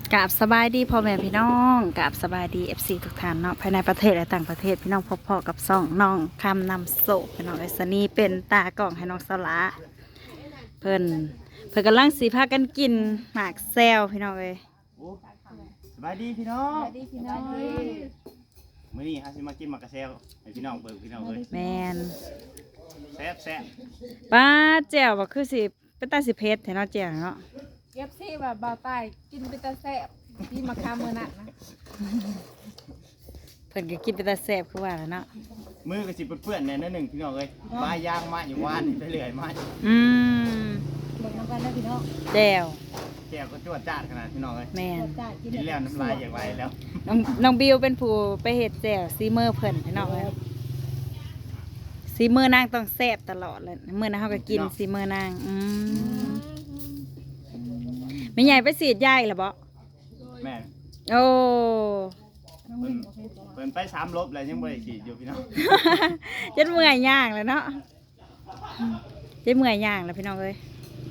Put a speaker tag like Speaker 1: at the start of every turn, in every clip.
Speaker 1: กราบสบายดีพ่อแม่พี่น้องกราบสบายดีFCทุกท่านเนาะภายในประเทศและต่างประเทศพี่น้องพบกับซ่องน้องคำนำโศกพี่น้องไอซนี่เป็นตากล่องให้น้องสละเพิ่นกำลังสีพากันกินหมากแซวพี่น้องเลย
Speaker 2: โอ้สบายดีพี่น้อง
Speaker 3: ดีพี่น้อง
Speaker 2: มื้อนี้ฮะสิมากินหมักกระเซลให้พี่น้องเบิ่งพี่น้องเลย
Speaker 1: แมน
Speaker 2: แซ่บแซ่บ
Speaker 1: ป้าแจ่วว่าคือสิเป็นตาสิเพชรเนาะแจ่วเนาะ
Speaker 3: เก็บซี่แบบเบาใต้กินเป็นตาแซ่บพี่มาคามือหนักนะ
Speaker 1: เพิ่นก็กินเป็นตาแซ่บคือว่าแล้วเนาะ
Speaker 2: มือก็สิเปื้อนๆแน่นหนึ่งพี่น้องเลยมาย่างมาอยู่ว่านไปเรื่อยมา
Speaker 1: อืม
Speaker 3: เบิกน้ำกันได้พี่น้อง
Speaker 1: แจ่ว
Speaker 2: แก้วก็จวดจ้าดขนาดพี่น้องเลย
Speaker 1: แมน
Speaker 3: จ่ายกิน
Speaker 2: กินแล้วน้ำลายอย่างไรแล้ว
Speaker 1: น้องบิวเป็นผู้ไปเฮ็ดแจ่วซีเมอร์เพิ่นพี่น้องเลยซีเมอร์นางต้องแซ่บตลอดเลยมื้อนั้นเฮาก็กินซีเมอร์นางไม่ใหญ่ไปสีดยาอีกแล้วบ่
Speaker 2: แม่น
Speaker 1: โอ้
Speaker 2: เพิ่นไป3 ลบแล้วยังบ่ได้ฉีดอยู่พี่น้อง
Speaker 1: จนเมื่อยย่างแล้วเนาะจนเมื่อยย่างแล้วพี่น้องเอ้ย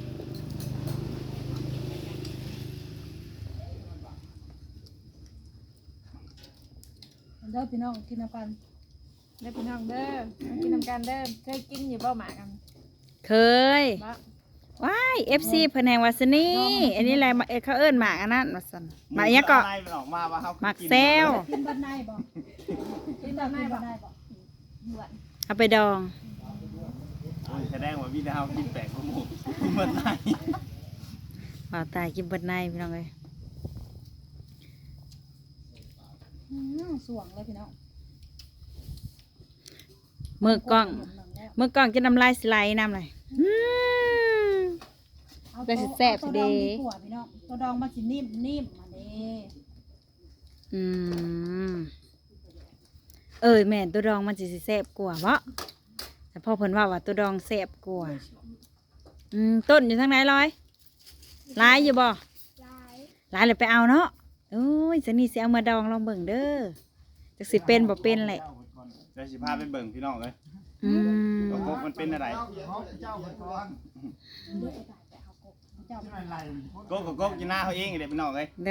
Speaker 3: เด้อพี่น้องกินน้ำกันเด้อพี่น้องเด้อกินน้ำกันเด้อเคยกินอยู่เบ้าหมากัน
Speaker 1: เคย
Speaker 3: บ้า
Speaker 1: ว้าย FC เพิ่นแห่งวาสนีอันนี้อะไรเขาเอิ้นหมากอันนั้นว่าซั่นหมากอิหยังก็
Speaker 2: อะไรมันออกมาว่าเฮา
Speaker 1: หมักแซว
Speaker 3: กินบนในบ่กินบนในบ่หวาน
Speaker 1: เอาไปดอง
Speaker 2: โอ้ยแสดงว่าพี่ดาวกินแปลกกว่าหมู่กินเบิดไหน
Speaker 1: บ่าวตายกินเบิดในพี่น้องเอ้ย
Speaker 3: สวงเลยพี่น้อง
Speaker 1: มือกล้องกินน้ำลายสไลด์น้ำเลยได้สิแซ่บสิเด้
Speaker 3: พี่น้องตัวดองมันสินิ่มมาเด้
Speaker 1: อืมแม่นตัวดองมันสิแซ่บกว่าบ่แต่พ่อเพิ่นว่าตัวดองแซ่บกว่าต้นอยู่ทางไหนลอยหลายอยู่บ่หลายเลยไปเอาเนาะโอ้ยสนี่สิเอามาดองลองเบิ่งเด้อจักสิเป็นบ่เป็นแหละ
Speaker 2: เดี๋ยวสิพาไปเบิ่งพี่น้องเลย
Speaker 1: อืม
Speaker 2: ว่ากบมันเป็นอะไรกบกับกบกินหน้าเขาเองเด็กพี่น้องเลย
Speaker 1: เลย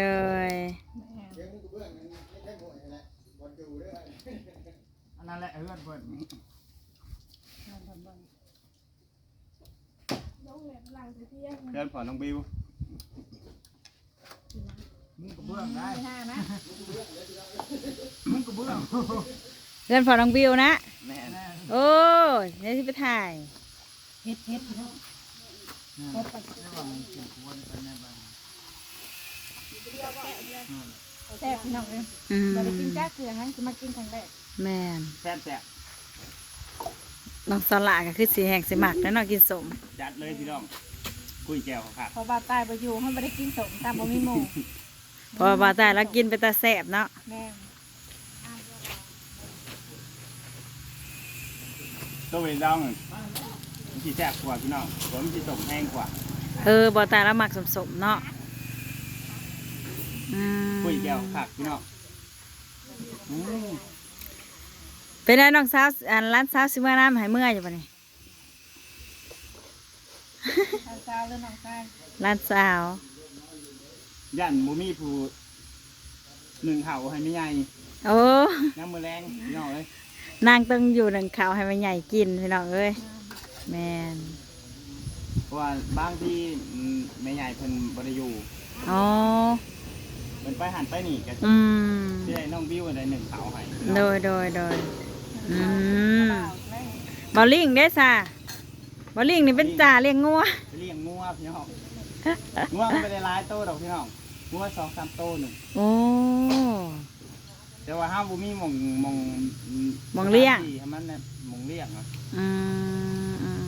Speaker 2: อันนั้นแหละเพื่อนเพื่อนเพื่อนผ่อนน้องบิวมึงกับเบื้องได้มึงกับเบื้อง
Speaker 1: เพื่อนพอน้องบิวนะ
Speaker 2: แม่
Speaker 1: โอ้ยเดี๋ยวสิไปถ่าย
Speaker 3: เฮ็ดพี่น้องแซ่บพี่น้องเลย เราไปกินจ้าเกลืองั้นจะมากินครั้งแรก
Speaker 1: แม่น
Speaker 2: แซ่บแซ่บ
Speaker 1: น้องสลาก็คือสีแห้งสีหมักแล้วน้องกินสม
Speaker 2: จัดเลยพี่น้องคุยแก้วขาด
Speaker 3: พอบาตายไปอยู่เขาไม่ได้กินสมตามบ่มีหมู
Speaker 1: พอบาตายแล้วกินไปตาแสบเนาะ
Speaker 3: แม่
Speaker 2: ตัวเวดองมันสีแซ่บกว่าพี่น้องผมสีสมแห้งกว่า
Speaker 1: บาตายแล้วหมักสมๆเนาะ
Speaker 2: คุยแก้วขาดพี่น้อง
Speaker 1: เป็นไงน้องสาวร้านสาวซิเมื่อน้ำหายเมื่อยอยู่ปะนี่
Speaker 3: สาวเรื่องน้องชาย
Speaker 1: ร้านสาว
Speaker 2: ย่านมูมี่ผู้หนึ่งเห่าให้ไม่ใหญ่
Speaker 1: โอ้
Speaker 2: น้ำมือแรงพี่น้องเลย
Speaker 1: นางต้องอยู่หนึ่งข่าวให้มันใหญ่กินพี่น้องเอ้ยแมน
Speaker 2: เพราะว่าบางที่ไม่ใหญ่เพิ่นบริยู
Speaker 1: อ๋อ
Speaker 2: เพิ่นไปหันไปนี่กัน
Speaker 1: อืม
Speaker 2: ที่ได้น้องบิวได้หนึ่งเห่าให้
Speaker 1: โดยบอลลิงได้ซะบอลลิงนี่เป็นจ่าเลี้ยงงัว
Speaker 2: ไปเลี้ยงงัวพี่น้องงัวมันไม่ได้หลายโตดอกพี่น้องงัว2-3 โตหนึ่ง
Speaker 1: โอ้
Speaker 2: แต่ว่าห้ามบุมีหมอง
Speaker 1: เลี้ยง
Speaker 2: ให้มันเนี่ยหมองเลี้ยงอ่ะ
Speaker 1: อืม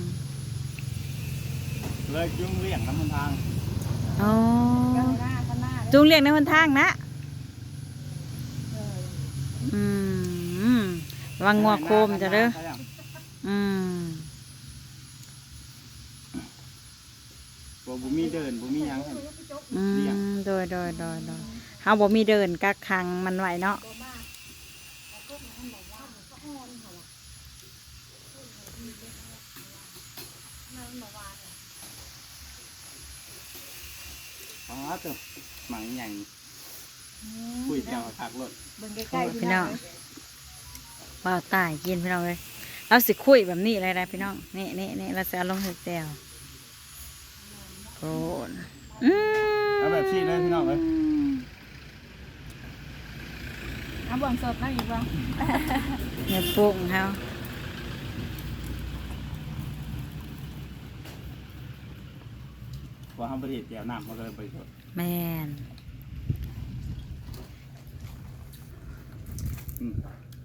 Speaker 2: เลยจุงเลี้ยงน้ำมันทาง
Speaker 1: อ๋อ
Speaker 3: ข้างหน้าข้างหน้า
Speaker 1: จุงเลี้ยงในหนทางนะระวังงัวโคมจะเด้อ
Speaker 2: บ่บุมีเดินบุมีหยังให้
Speaker 1: โดยเฮาบ่มีเดินกักขังมันไว้เนาะ
Speaker 2: อ๋อตัวหมังใหญ่คุยเดียวคักรถ
Speaker 3: เบิ่งใกล้ๆ
Speaker 1: พี่น้องบ่าวตายกินพี่น้องเลยเราสิคุยแบบนี้เลยนะพี่น้องนี่เราจะเอาลงเห็ดแจ่วโอ้น
Speaker 2: เอาแบบชี้เลยพี่น้องเลย
Speaker 3: เอาบ่วงสดนั่งอีกบ่
Speaker 1: เนี่ยปรุงเขา
Speaker 2: พอทำประเดี๋ยวเดียวน้ำมันก็เลยไปสด
Speaker 1: แม่น
Speaker 2: อืม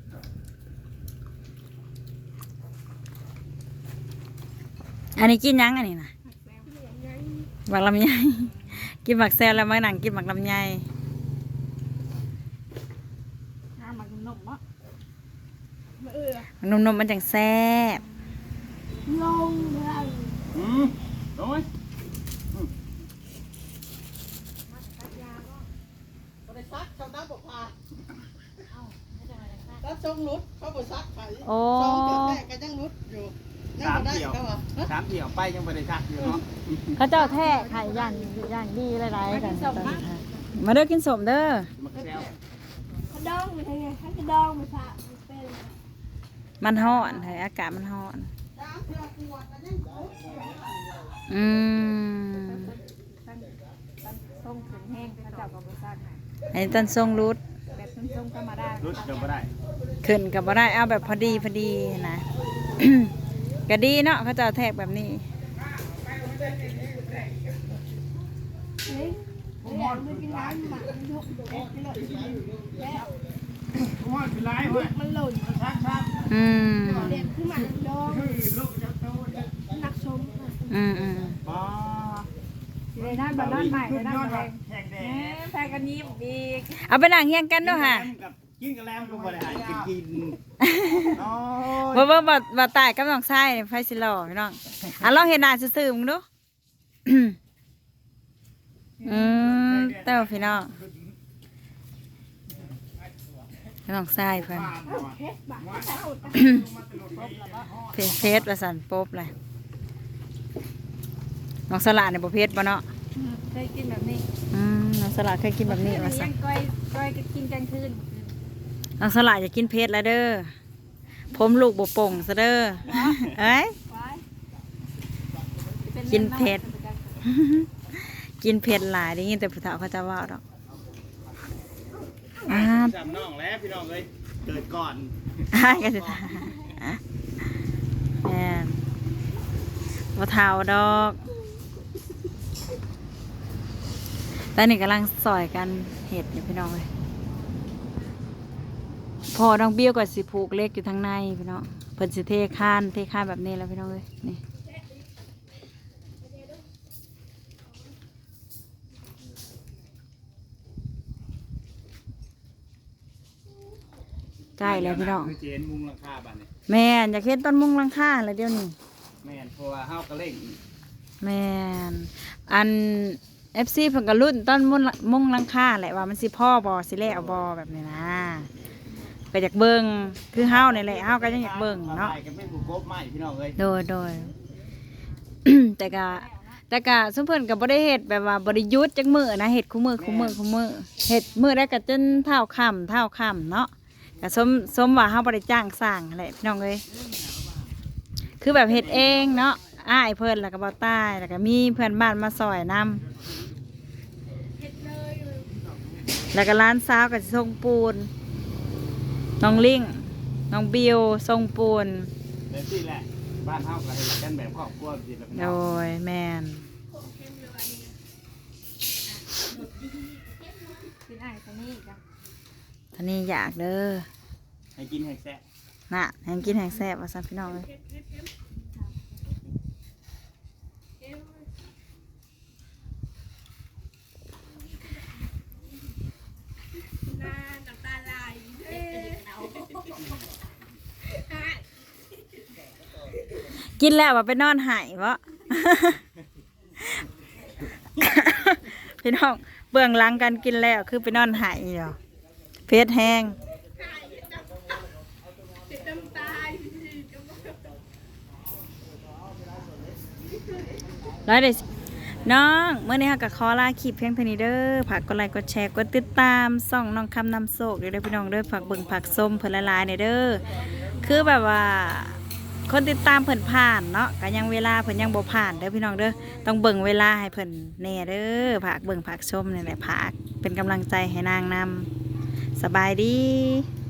Speaker 1: อันนี้กินยังอันนี้นะหมักลำไย กินหมักแซวแล้วมาหนังกินหมักลำไย
Speaker 3: น้ำมันนมเนาะ
Speaker 1: นมมันจังแซ่บ
Speaker 3: ลงเลย
Speaker 2: ลงไหม
Speaker 4: บริษัทเขาน้ำบอกพาแล้วทรงรุดเขาบริษัทไข่
Speaker 1: โอ้
Speaker 4: ทรงเกิดแรกก็ยังรุดอยู่ยังบ่ได้ก็ว่า
Speaker 2: สามเดี่ยวไปยังไม่ได้ชักอยู่เนาะ
Speaker 1: เขาเจ้าแท้ไข่ย่างดีหลายๆกันมาเด้อกินสมเด้อ
Speaker 2: มักแซว
Speaker 3: กระดองไปทางไงกระดองไปพาเป็น
Speaker 1: มันฮ้อนเฮ้ยอากาศมันฮ้อน
Speaker 4: น้ำเพื่อขวดก็ยังรุด
Speaker 1: อืม
Speaker 3: ต้มถึงแห้งเขาเจ้ากับบริษัท
Speaker 1: อันนี้ต้นทรงรุด
Speaker 3: แบบต้มๆก็มาได้
Speaker 2: รุดยังไม่ได้
Speaker 1: ขึ้นกับบ่ได้เอาแบบพอดีนะ ก็ดีเนาะเขาจะเอาแทกแบบนี้
Speaker 3: เฮ้ยอยากไปกินร้านหมาทุกมันหล่น
Speaker 1: อืม
Speaker 3: เด็ดขึ้นมาดองนักชม
Speaker 1: อืม
Speaker 2: อ๋อ
Speaker 3: เลยด้านบ้านใหม่เลยด้านแดงแพงกันยิ้มอีก
Speaker 1: เอาไปนั่งเฮียงกันด้วยค่ะ
Speaker 2: กินกันแล้วก็บ่ได้กินอ๋อ
Speaker 1: บ่ตายกับน้องชายนี่ไฟสิหล่อพี่น้องอ่ะลองเห็นหน้าซื่อๆมึงดู เต้าพี่น้องน้องชายเพิ่น เพชรประสันป๊บเลยน้องสลัดเนี่ยบ่เพชรบ่เนาะ
Speaker 3: เคยกินแบบนี้
Speaker 1: น้องสลัดเคยกินแบบนี้มาสั
Speaker 3: ยั
Speaker 1: น
Speaker 3: งก้อยก็กินกลางคืน
Speaker 1: น้องสลัดอย่ากินเพชรแล้วเด้อผมลูกบ่โป่งซะเด้อเอ้ย กินเผ็ด กินเผ็ดหลายได้ยินแต่ผู้เฒ่าเขาจะว่าดอก
Speaker 2: จำน้องแล้วพี่น้องเลยเกิดก่อน
Speaker 1: อ้ายก็สิแม่นบ่เฒ่าดอกตอนนี้กำลังซอยกันเห็ดอยู่พี่น้องเลยพอน้องเบี้ยวกับสิผูกเล็กอยู่ทางในพี่น้องเพิ่นสิเทข้านแบบนี้แล้วพี่น้องเลยนี่ใกล้แล้วพี่น้อง
Speaker 2: คือเจนมุงหลังคาบ้านนี่
Speaker 1: แม่นอยากเห็นต้นมุงหลังคาแล้วเดี๋ยวนี้
Speaker 2: แม่นเพราะว่าเฮากระเล่ง
Speaker 1: แม่นอัน FC เพิ่นก็รุ่นต้นมุงหลังคาแหละว่ามันสิพ่อบ่สิแล้วบ่แบบนี้นะก็อยากเบิ่งคือเฮานี่แหละเฮาก็ยังอยากเบิ่งเนาะ
Speaker 2: ไปกันไม่ผูกกบไม้พี่น้องเลย
Speaker 1: โดย แต่ก็สมเพิ่นก็บ่ได้เฮ็ดแบบว่าบ่ได้หยุดจักมื้อนะเฮ็ดคู่มื้อเฮ็ดมื้อได้ก็จนเท่าค่ำเนาะก็สมว่าเฮาบ่ได้จ้างสร้างนั่นแหละพี่น้องเอ้ยคือแบบเฮ็ดเองเนาะอ้ายเพิ่นแล้วก็บ่ตายแล้วก็มีเพื่อนบ้านมาซอยนำแล้วก็ร้านสาวก็สิส่งปูนน้องลิงน้องบิวส่งปูน
Speaker 2: เดี๋ยวที่แหละบ้านเฮาก็เฮ็ดกันแบบครอบครัวสิแบบ
Speaker 1: โดยแม่น
Speaker 3: กินไอ้ตัวนี้จ้ะ
Speaker 1: ตอนนี้อยากเด้อ
Speaker 2: ให้กินให้แซ่บ
Speaker 1: น่ะแหงกินแหงแซ่บว่าซั่นพี่น้องเอ้ย
Speaker 3: น้ำตาไหล
Speaker 1: กินแล้วว่าไปนอนหายบ่ พี่น้องเบื้องหลังกันกินแล้วคือไปนอนหายเหรอเพชรแห้งร้อยน้องเมื่อนี้ค่ะก็ขอลาคลิปเพียงเท่านี้เด้อฝากกดไลค์กดแชร์กดติดตามส่องน้องคำนำโศกเด้อพี่น้องเด้อฝากเบิ่งฝากส้มเพิ่นละลายๆเด้อคือแบบว่าคนติดตามเพิ่นผ่านเนาะก็ยังเวลาเพิ่นยังบ่ผ่านเด้อพี่น้องเด้อต้องเบิ่งเวลาให้เพิ่นแน่เด้อฝากเบิ่งฝากชมนี่แหละฝากเป็นกำลังใจให้นางนำสบายดี